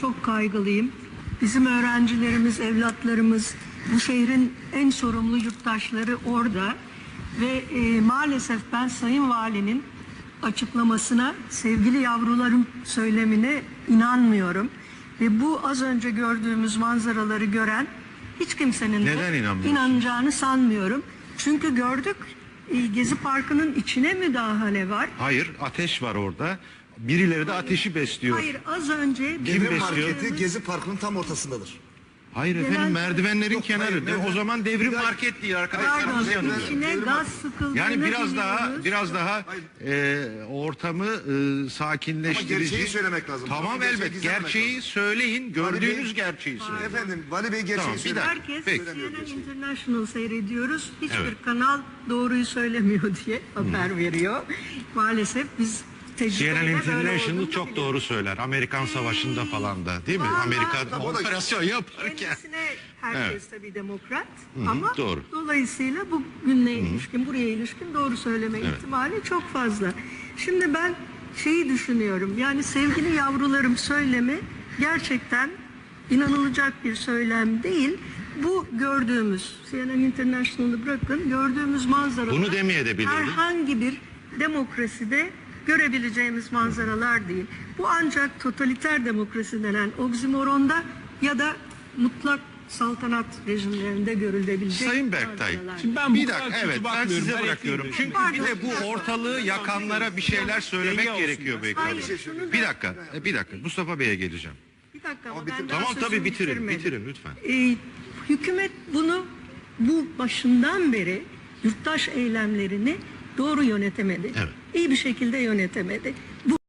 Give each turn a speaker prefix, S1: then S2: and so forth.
S1: çok kaygılıyım. Bizim öğrencilerimiz, evlatlarımız, bu şehrin en sorumlu yurttaşları orada. Ve maalesef ben Sayın Valinin açıklamasına, sevgili yavrularım söylemine inanmıyorum. Ve bu az önce gördüğümüz manzaraları gören hiç kimsenin de inanacağını sanmıyorum. Çünkü gördük, Gezi Parkı'nın içine müdahale var.
S2: Hayır, ateş var orada. Birileri de ateşi besliyor.
S1: Hayır, az önce...
S3: Devrim Marketi Gezi Parkı'nın tam ortasındadır.
S2: Hayır efendim, merdivenlerin kenarı. O zaman devrim market değil arkadaşlarımız yanında.
S1: İçine gaz sıkıldığını
S2: Yani
S1: biliyoruz.
S2: biraz daha ortamı sakinleştirici.
S3: Ama gerçeği söylemek lazım.
S2: Tamam, elbet. Gerçeği söyleyin. Gördüğünüz gerçeği söyleyin.
S3: Efendim, Vali Bey gerçeği
S2: Tamam,
S3: söylemek.
S1: Herkes
S2: Peki.
S1: CNN International seyrediyoruz. Hiçbir
S2: Evet.
S1: kanal doğruyu söylemiyor diye haber veriyor. Maalesef biz tecrübeyle
S2: CNN
S1: böyle
S2: International
S1: olduğunu
S2: çok
S1: biliyoruz.
S2: doğru söyler. Amerikan Savaşı'nda falan da, değil mi?
S1: Vallahi
S2: Amerika
S3: tabii o da-
S2: operasyon yaparken.
S1: Kendisine herkes
S2: Evet.
S1: tabii demokrat ama
S2: doğru.
S1: dolayısıyla bugüne ilişkin, buraya ilişkin doğru söyleme ihtimali çok fazla. Şimdi ben şeyi düşünüyorum, yani sevgili yavrularım söylemi gerçekten inanılacak bir söylem değil. Bu gördüğümüz, CNN International'ı bırakın, gördüğümüz manzaralar
S2: Bunu demeyebilirdim.
S1: herhangi bir demokraside görebileceğimiz manzaralar değil. Bu ancak totaliter demokrasi denen oksimoronda ya da mutlak saltanat rejimlerinde görülebilecek
S2: Sayın Berktay,
S1: manzaralar.
S4: Şimdi ben bu
S2: bir
S4: kadar
S2: dakika,
S4: kötü
S2: evet, ben
S4: bakmıyorum.
S2: size
S4: Ben
S2: bırakıyorum.
S4: ekleyeyim.
S2: Çünkü bir de bu ortalığı yakanlara bir şeyler söylemek
S4: Denge olsun
S2: gerekiyor
S4: ya.
S2: belki.
S1: Hayır, şunu da-
S2: Bir dakika, Mustafa Bey'e geleceğim.
S1: Bir dakika ama
S3: Ama
S1: ben
S3: bitir-
S1: daha
S2: Tamam, tabii
S1: sözümü
S2: bitirin
S1: bitirmedim.
S2: lütfen.
S1: Hükümet bunu bu başından beri yurttaş eylemlerini doğru yönetemedi.
S2: Evet.
S1: İyi bir şekilde yönetemedi. Bu